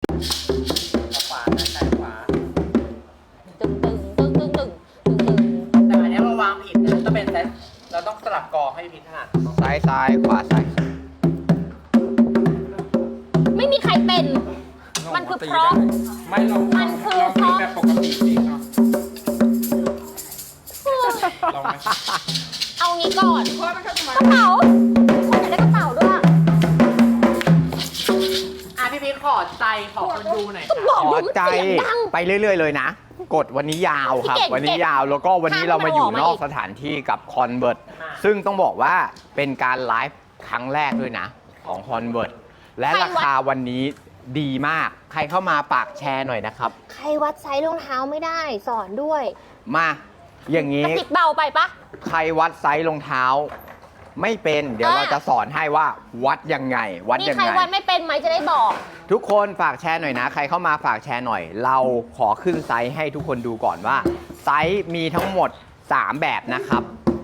ขวาซ้ายขวาตึงตึงตึงตึงตึงตึงตึงแต่อันนี้เราวางผิดนะต้องเป็นซ้ายเราต้องสลับกองให้พี่ถนัดซ้ายซ้ายขวาซ้ายไม่มีใครเป็น มันคือเพราะไม่เรามันคือเราเพตีราะแบบปกติดีเนาะลองไหมเอางี้ก่อนเพราะมันก็จะมากระเป๋าคนอยากได้กระเป๋าด้วยพี่พีทขอใจขอคนดูหน่อยก็ค่ะบอกขอดูมันใจเสียงดังไปเรื่อยๆเลยนะ กดวันนี้ยาวครับพี่เก่งวันนี้ยาวแล้วก็วันนี้เรามาอยู่ห้ามไม่นอออก กมาอีกสถานที่กับคอนเวิร์ตซึ่งต้องบอกว่าเป็นการไลฟ์ครั้งแรกด้วยนะ ของคอนเวิร์ตและราคาวันนี้ดีมาก ใครเข้ามาฝากแชร์หน่อยนะครับใครวัดไซส์รองเท้าไม่ได้สอนด้วยมาอย่างกนี้ระติกเบาไปปะใครวัดไซส์รองเท้า ไม่เป็นเดี๋ยวเราจะสอนให้ว่าวัดยังไง วัดมียังใครไงวัดไม่เป็นไหมจะได้บอกทุกคนฝากแชร์หน่อยนะ ใครเข้ามาฝากแชร์หน่อย เราขอขึ้นไซส์ให้ทุกคนดูก่อนว่า ไซส์มีทั้งหมด 3 แบบนะครับ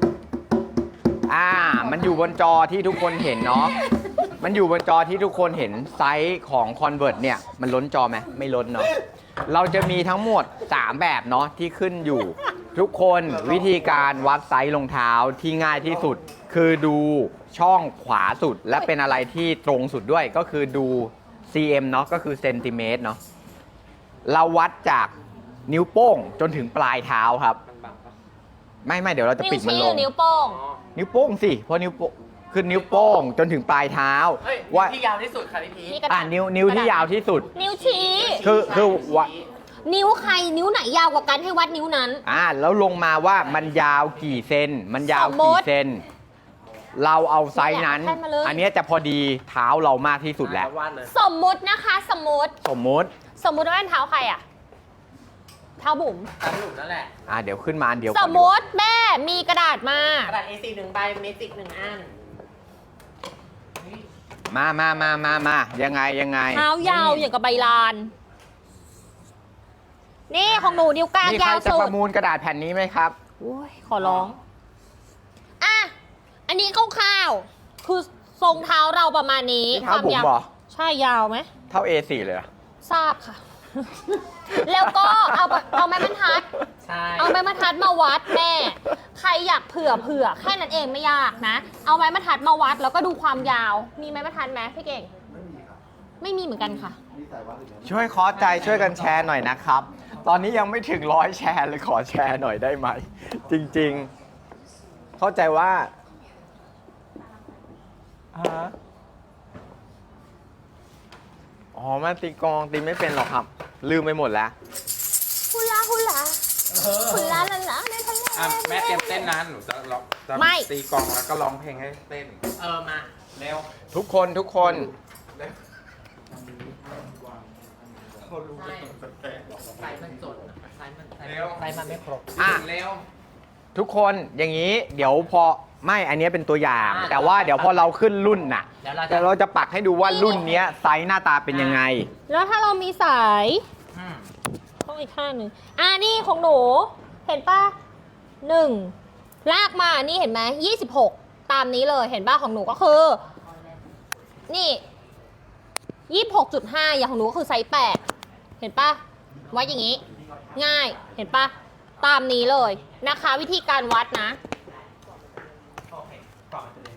มันอยู่บนจอที่ทุกคนเห็นเนาะ มันอยู่บนจอที่ทุกคนเห็นไซส์ของ Convert เนี่ย มันล้นจอไหมไม่ล้นเนาะ เราจะมีทั้งหมด 3 แบบเนาะที่ขึ้นอยู่ ทุกคนวิธีการวัดไซส์รองเท้าที่ง่ายที่สุด คือดูช่องขวาสุดและเป็นอะไรที่ตรงสุดด้วยก็คือดู cm เนาะก็คือเซนติเมตรเนาะ เราวัดจากนิ้วโป้งจนถึงปลายเท้าครับ ไม่เดี๋ยวเราจะนิ้วปิดมันชี้ลหรืงอนิ้วโป้งนิ้วโป้งสิเพราะนิ้วโป้งคือนิ้วโป้งจนถึงปลายเท้าเฮ้ยว่าที่ยาวที่สุดค่ะพี่พีทนี่กระดาษนิ้วที่ยาวที่สุดนิ้วชี้คือว่านิ้วใครนิ้วไหนยาวกว่ากันให้วัดนิ้วนั้นแล้วลงมาว่ามันยาวกี่เซนมันยาวสมมุกี่ติเซนเราเอาไซส์นั้นแค่มาเลยอันเนี้ยจะพอดีเท้าเรามากที่สุดแล้ววาดเลยสมมุตินะคะสมมุติสมมติว่าเป็นเท้าใครอะเท้าบุ๋มตามหลุมนั่นแหละเดี๋ยวขึ้นมาอันเดียวสก่อนมดีมกว่าติแม่มีกระดาษมากระดาษ A4 1 ใบเมจิก1 อันมายังไงเท้ายาวอย่างกับใบลาน นี่ของหนูนิ้วกลางมีใครยาวจะสุปดระมูลกระดาษแผ่นนี้ไหมครับโอ้ยขอร้อง อ่ะ อันนี้คร่าวๆคือทรงเท้าเราประมาณนี้นี่เท้าบุ๋มยาวเหรอใช่ยาวไหมเท่า A4 เลยเหรอทราบค่ะ แล้วก็เอาไม้บรรทัดใช่เอาไม้บรรทัดมาวัดแม่ ใครอยากเผื่อแค่นั้นเองไม่ยากนะ เอาไม้บรรทัดมาวัดแล้วก็ดูความยาว มีไม้บรรทัดไหมพี่เก่ง ไม่มีเหมือนกันค่ะช่วยขอใจช่วยกันแชร์หน่อยนะครับ ตอนนี้ยังไม่ถึง100 แชร์เลยขอแชร์หน่อยได้ไหม จริงๆ เข้าใจว่ามันตีกลองตีไม่เป็นหรอกครับ ลืมไปหมดแล้วฮุลาฮุลาฮุลาลาลาในทะเลแม่เตรียมเต้นนะหนูจะร้องจะไม่ตีกลองแล้วก็ร้องเพลงให้เต้นมาเร็วทุกคนใช่ไซส์มันจดไซส์มันเร็วไซส์มันไม่ครบเร็วทุกคนอย่างนี้เดี๋ยวพอไม่อันนี้เป็นตัวอย่างอ่าแต่ว่าเดี๋ยวพอเราขึ้นรุ่นน่ะเดี๋ยวเราจะแต่เราจะปักให้ดูว่ารุ่นเนี้ยไซส์หน้าตาเป็นยังไงแล้วถ้าเรามีสายอืมต้องอีกข้างหนึ่งนี่ของหนู เห็นป่ะ1ลากมานี่เห็นไหม26 ตามนี้เลยเห็นป่ะของหนูก็คือ นี่26.5 อย่างของหนูก็คือไซส์8เห็นป่ะวัดอย่างนี้ ง่ายเห็นป่ะตามนี้เลยนะคะ วิธีการวัดนะโอเคต่อไปเลย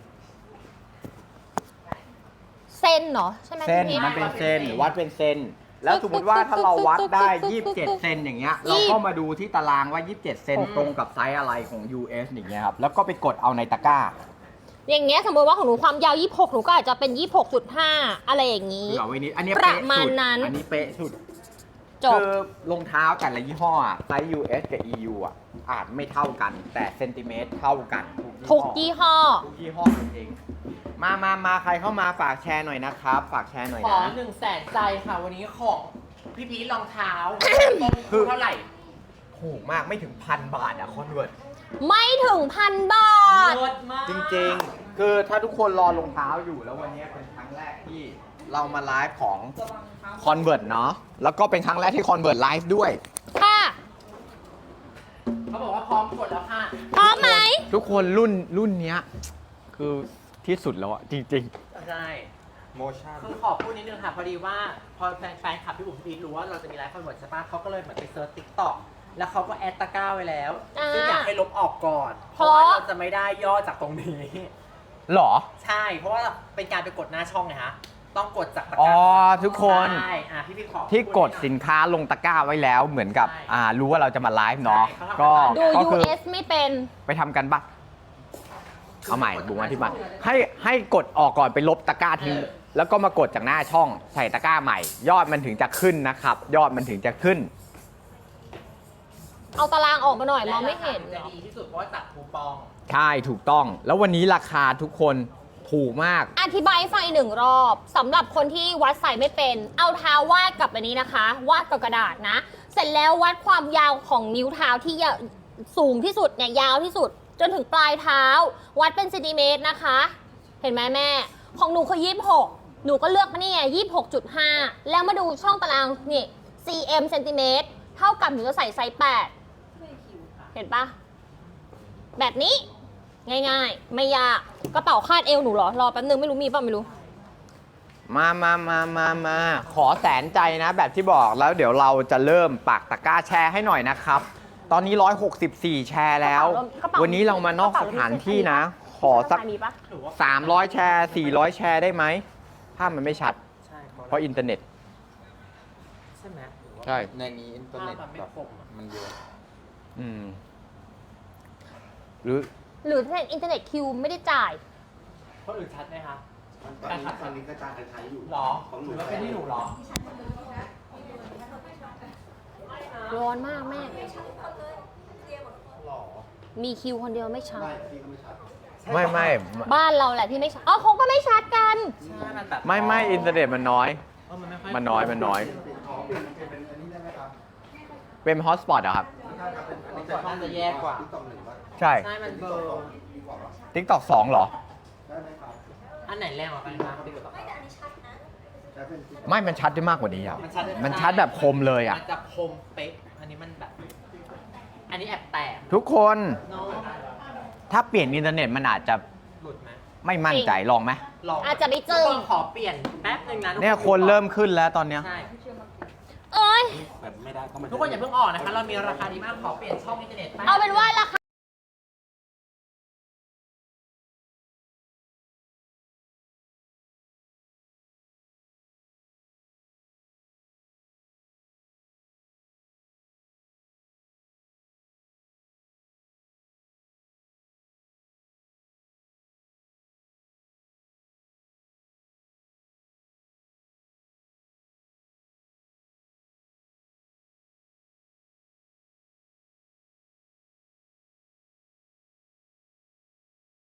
เส้นเหรอใช่ไหมเส้นพี่พีทมันเป็นเส้นวัดเป็นเส้น แล้วสมมติว่าถ้าเราวัดได้ 27 เซนอย่างเงี้ยเราก็มาดูที่ตารางว่า 27 เซนตรงกับไซส์อะไรของ US อย่างเงี้ยครับ แล้วก็ไปกดเอาในตะกร้าอย่างเงี้ยสมมติว่าของหนูความยาว26หนูก็อาจจะเป็น 26.5 อะไรอย่างนี้เผื่อไว้นิดอันนี้ประเป๊ะมาณสุดนั้นอันนี้เป๊ะสุดจบคือรองเท้าแต่ละยี่ห้ออะไซส์ US กับ EU อ่ะอาจไม่เท่ากัน แต่เซนติเมตรเท่ากันทุกยี่ห้อทุกยี่ห้อจริงๆมาใครเข้ามาฝากแชร์หน่อยนะครับ ฝากแชร์หน่อยขอนะ 100,000 ใจค่ะ วันนี้ของพี่พีทรองเท้าต้นคืทุอนเท่าไหร่ถูกมากไม่ถึง1,000 บาทอะคอนเวิร์ตไม่ถึง1,000 บาทเลิศมากจริงๆ คือถ้าทุกคนรอรองเท้าอยู่แล้ววันนี้เป็นครั้งแรกที่เรามาไลฟ์ของ Convert เนาะ แล้วก็เป็นครั้งแรกที่ Convert ไลฟ์ด้วยค่ะเขาบอกว่าพร้อมกดแล้วค่ะพร้อมไหมทุกคนรุ่นเนี้ยคือที่สุดแล้วอะจริงใช่ๆโมชั่นคือขอพูดนิดนึงค่ะ พอดีว่าพอแฟนคลับพี่บุ๋มพี่รู้ว่าเราจะมีไลฟ์คอนเวิร์ตใช่ปะเขาก็เลยเหมือนไปเซิร์ชติ๊กต็อกแล้วเขาก็แอดตะกร้าไว้แล้ว ซึ่งอยากให้ลบออกก่อน เพราะว่าเราจะไม่ได้ยอดจากตรงนี้หรอใช่ เพราะว่าเป็นการไปกดหน้าช่องไงฮะ ต้องกดจากตะกอ๋อร้าทุกคนใช่พี่ขอที่กดสินค้าลงตะกร้าไว้แล้วเหมือนกับใช่รู้ว่าเราจะมาไลฟ์เนาะใช่ก็ดูก็คือ US ไม่เป็นไปทำกันบ้างเอาใหม่บุ๋มอธิบายให้กดออกก่อนไปลบตะกร้าทิ้งแล้วก็มากดจากหน้าช่องใส่ตะกร้าใหม่ ยอดมันถึงจะขึ้นนะครับ ยอดมันถึงจะขึ้นเอาตารางออกมาหน่อยมองไม่เห็นจะดีที่สุดเพราะว่าตัดคูปองใช่ถูกต้อง แล้ววันนี้ราคาทุกคนถูกมากอธิบายให้ฟังอีกหนึ่งรอบสำหรับคนที่วัดใส่ไม่เป็น เอาเท้าวาดกับอันนี้นะคะ วาดกับกระดาษนะ เสร็จแล้ววัดความยาวของนิ้วเท้าที่สูงที่สุดเนี่ยยาวที่สุด จนถึงปลายเท้า วัดเป็นเซนติเมตรนะคะ เห็นไหมแม่ ของหนูคือ26หนูก็เลือกมานี่ไง26.5 แล้วมาดูช่องตารางนี่ cm เซนติเมตรเท่ากับหนูจะใส่ไซส์8เห็นปะแบบนี้ ง่ายๆ ไม่ยากกระเป๋าคาดเอวหนูเหรอ รอแป๊บนึงไม่รู้มีป่ะไม่รู้มาขอแสนใจนะแบบที่บอกแล้วเดี๋ยวเราจะเริ่มปักตะกร้าแชร์ให้หน่อยนะครับ ตอนนี้ 164 แชร์แล้วกระเป๋าวันนี้เรามานอกสถานที่นะ ขอสักมีปะหรือว่า 300 แชร์ 400 แชร์ได้ไหมภาพมันไม่ชัดใช่เพราะอินเทอร์เน็ตใช่ไหมหรือว่าใช่ในนี้อินเทอร์เน็ตภาพมันไม่แบบคมอะมันเยอะอืมหรือหรืออินเทอร์เน็ตคิวไม่ได้จ่ายคนอื่นชัดไหมคะตอนนี้กระจายกันใช้อยู่หรอของหหนูรือว่าเป็นที่หนูหรอร้อนมากแม่หรอมีคิวคนเดียวไม่ชัดไม่พี่ก็ไม่ชัดไม่บ้านเราแหละที่ไม่ชัดอ๋อเขาก็ไม่ชัดกันใช่มันแบบไม่อินเทอร์เน็ตมันน้อยมันไม่ค่อยมันน้อยเปลี่ยนเป็นอันนี้ได้ไหมครับเป็นฮอตสปอตเหรอครับไม่ใช่ครับเป็นอันนี้น่าจะแย่กว่าที่ต่อหนึ่งว่าใช่ใช่มันเบอร์ดีกว่าปะ TikTok 2เหรอได้ไหมครับอันไหนแรงกว่ากันคะพี่ดูต่อใช้เป็นที่ไม่มันชัดได้มากกว่านี้ครับมันชัดมันชัดแบบคมเลยอ่ะมันจะคมเป๊ะ อันนี้มันแบบ อันนี้แอบแตกทุกคนเนาะถ้าเปลี่ยนอินเทอร์เน็ตมันอาจจะหลุดไหมไม่มั่นใจลองไหมลองอาจจะไม่จึ้งทุกคนขอเปลี่ยนแป๊บนึงนะทุกเนี่ยคนเริ่มขึ้นแล้วตอนเนี้ยใช่เอ้ยแบบไม่ได้ก็ไม่ได้ทุกคนอย่าเพิ่งออกนะคะ เรามีราคาดีมาก ขอเปลี่ยนช่องอินเทอร์เน็ตแป๊บเอาเป็นว่าราค